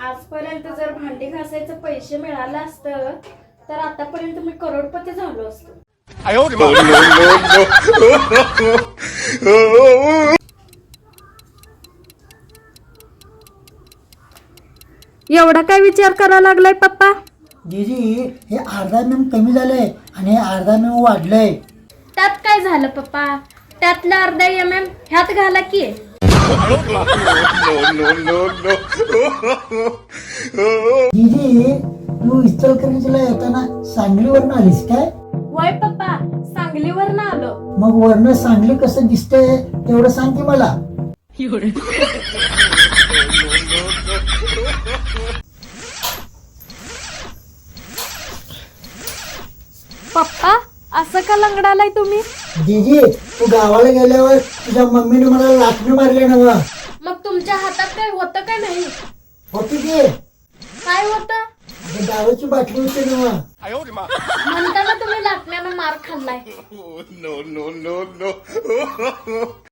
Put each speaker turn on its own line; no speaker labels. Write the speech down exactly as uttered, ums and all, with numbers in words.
आजपर्यंत जर भांडी घासायचं पैसे मिळालं असतं तर आतापर्यंत मी करोडपती झालो असतो. एवढा काय विचार करायला लागलाय पप्पा?
दीदी हे अर्धा एम एम कमी झालंय आणि हे अर्धा एम एम वाढलंय.
त्यात काय झालं पप्पा? त्यातला अर्धा एम एम ह्यात घाला की.
दीदी तू इचलकरंजीला येताना सांगलीवरनं आलीस काय?
होय पप्पा, सांगलीवरनं आलो.
मग वरनं सांगली कसं दिसतंय तेवढं सांग की मला.
पप्पा असं का लंगडालाय तुम्ही?
दीदी तू गावाला गेल्यावर तुझ्या मम्मीने मला लाटणं मारले ना.
मग तुमच्या हातात काय होतं का नाही?
होती की
काय होतं?
दारूची बाटली होती ना.
म्हणताना तुम्ही लाटण्यानं मार खाल्लाय.